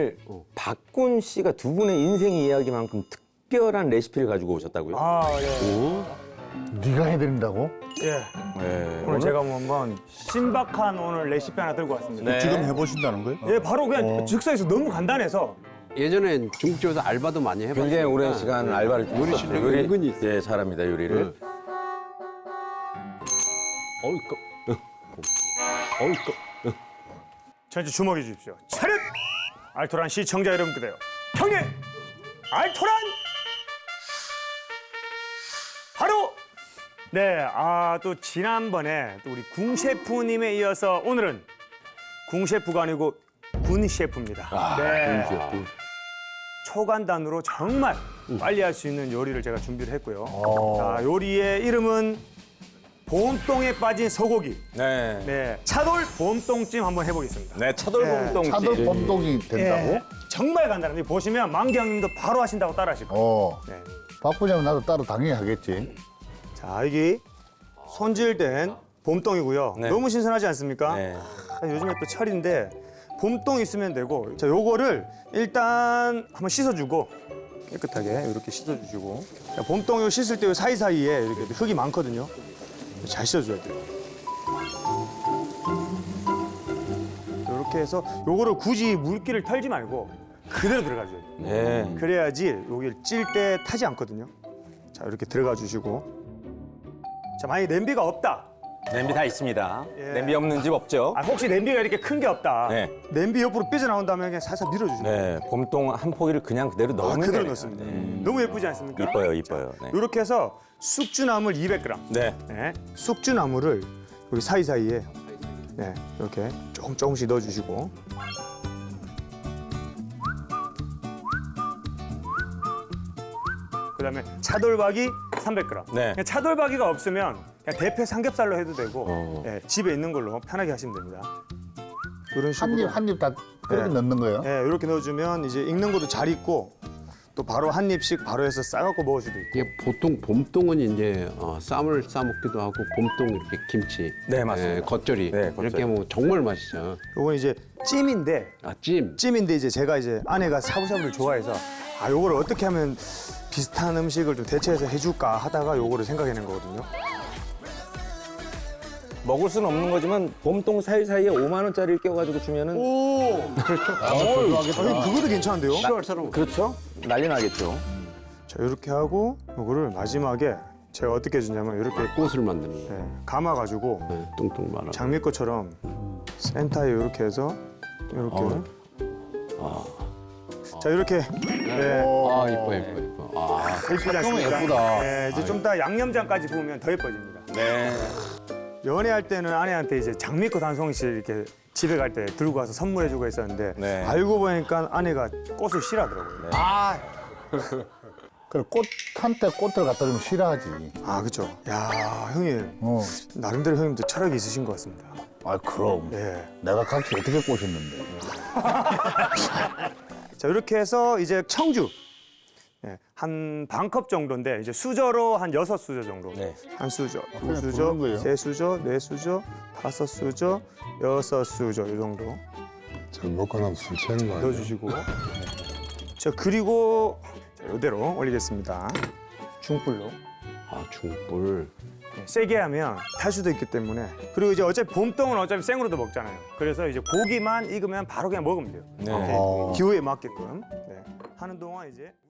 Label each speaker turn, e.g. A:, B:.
A: 오늘 박군 씨가 두 분의 인생 이야기만큼 특별한 레시피를 가지고 오셨다고요?
B: 아, 예.
C: 네가 해드린다고?
B: 예.
A: 네.
B: 오늘 제가 한번 신박한 오늘 레시피 하나 들고 왔습니다.
A: 네.
C: 지금 해보신다는 거예요?
B: 예, 바로 그냥 즉석에서 너무 간단해서
D: 예전엔 중국집에서 알바도 많이 해봤어요.
A: 굉장히 오랜 시간 알바를
D: 요리 실력이 은근히 있어요.
A: 예, 잘합니다 요리를.
B: 전체 주목해 주십시오. 차렷! 알토란 시청자 여러분께요. 형님! 알토란! 바로! 네, 또 지난번에 또 우리 궁 셰프님에 이어서 오늘은 궁 셰프가 아니고 군 셰프입니다. 네.
D: 군 셰프.
B: 초간단으로 정말 빨리 할 수 있는 요리를 제가 준비를 했고요. 자, 요리의 이름은 봄동에 빠진 소고기.
A: 네.
B: 네, 차돌 봄동찜 한번 해보겠습니다.
A: 네, 차돌봄동찜.
C: 차돌 범동이 된다고?
B: 예, 정말 간단합니다. 보시면 만경님도 바로 하신다고 따라 하실 거예요.
C: 네. 바쁘냐면 나도 따로 당연히 하겠지.
B: 자, 여기 손질된 봄동이고요.
A: 네.
B: 너무 신선하지 않습니까?
A: 네.
B: 요즘에 또 철인데 봄동 있으면 되고, 자, 요거를 일단 한번 씻어주고 깨끗하게 이렇게 씻어주시고, 자, 봄동 요 씻을 때 요 사이사이에 이렇게 흙이 많거든요. 잘 씻어줘야 돼요. 이렇게 해서 요거를 굳이 물기를 털지 말고 그대로 들어가줘야 돼요.
A: 네.
B: 그래야지 여기 찔 때 타지 않거든요. 자, 이렇게 들어가 주시고. 자, 만약에 냄비가 없다.
A: 냄비 다 있습니다.
B: 예.
A: 냄비 없는 집 없죠?
B: 혹시 냄비가 이렇게 큰 게 없다.
A: 네.
B: 냄비 옆으로 삐져나온다면 그냥 살살 밀어주시면 돼요.
A: 네, 봄동 한 포기를 그냥 그대로 넣으면
B: 그대로
A: 돼요.
B: 넣습니다. 너무 예쁘지 않습니까?
A: 이뻐요, 이뻐요. 네.
B: 이렇게 해서 숙주나물 200g.
A: 네.
B: 네. 숙주나물을 여기 사이사이에 네, 이렇게 조금씩 넣어주시고. 그다음에 차돌박이 300g.
A: 네.
B: 그냥 차돌박이가 없으면 그냥 대패 삼겹살로 해도 되고 예, 집에 있는 걸로 편하게 하시면 됩니다. 이런 식으로
C: 한 입 다 그렇게
B: 네.
C: 넣는 거예요?
B: 예, 이렇게 넣어주면 이제 익는 것도 잘 익고 또 바로 한 입씩 바로 해서 싸갖고 먹을 수도 있고.
D: 이게 보통 봄동은 이제 쌈을 싸 먹기도 하고 봄동 이렇게 김치,
A: 네, 맞습니다.
D: 겉절이
A: 네, 겉절이.
D: 이렇게 하면 정말 맛있죠.
B: 요건 이제 찜인데
D: 찜.
B: 찜인데 이제 제가 이제 아내가 샤브샤브를 좋아해서 요거를 어떻게 하면 비슷한 음식을 좀 대체해서 해줄까 하다가 요거를 생각해낸 거거든요.
A: 먹을 수는 없는 거지만 봄동 사이사이에 5만 원짜리를 껴가지고 주면은
B: 오, 그것도 괜찮은데요?
D: 필요할 사람
A: 그렇죠? 난리 나겠죠.
B: 자, 이렇게 하고 요거를 마지막에 제가 어떻게 해주냐면 이렇게
D: 꽃을 만드는 거.
B: 감아가지고
D: 뚱뚱 말아.
B: 장미꽃처럼 센터에 이렇게 해서 이렇게. 자, 이렇게. 네.
D: 이뻐.
B: 예쁘지 않습니까?
C: 예쁘다.
B: 네, 이제 좀 이따 양념장까지 부으면 더 예뻐집니다.
A: 네.
B: 연애할 때는 아내한테 이제 장미꽃 한 송이씩 이렇게 집에 갈 때 들고 가서 선물해주고 했었는데
A: 네.
B: 알고 보니까 아내가 꽃을 싫어하더라고요.
C: 그래 꽃한테 꽃을 갖다 주면 싫어하지.
B: 그렇죠. 야, 형님 나름대로 형님도 철학이 있으신 것 같습니다.
C: 그럼.
B: 예.
C: 내가 각기 어떻게 꼬셨는데.
B: 자, 이렇게 해서 이제 청주 한 반 컵 정도인데 이제 수저로 한 6수저 정도.
A: 네.
B: 한 수저, 두
C: 그냥
B: 수저,
C: 부르는 거예요?
B: 3수저, 4수저, 5수저, 6수저 이 정도
E: 잘 먹고 나면 술 취하는 거 아니야?
B: 넣어주시고. 자, 그리고 이대로 올리겠습니다. 중불로.
D: 중불.
B: 세게 하면 탈 수도 있기 때문에. 그리고 이제 어차피 봄동은 어차피 생으로도 먹잖아요. 그래서 이제 고기만 익으면 바로 그냥 먹으면 돼요.
A: 네.
B: 이렇게 기호에 맞게끔. 네. 하는 동안 이제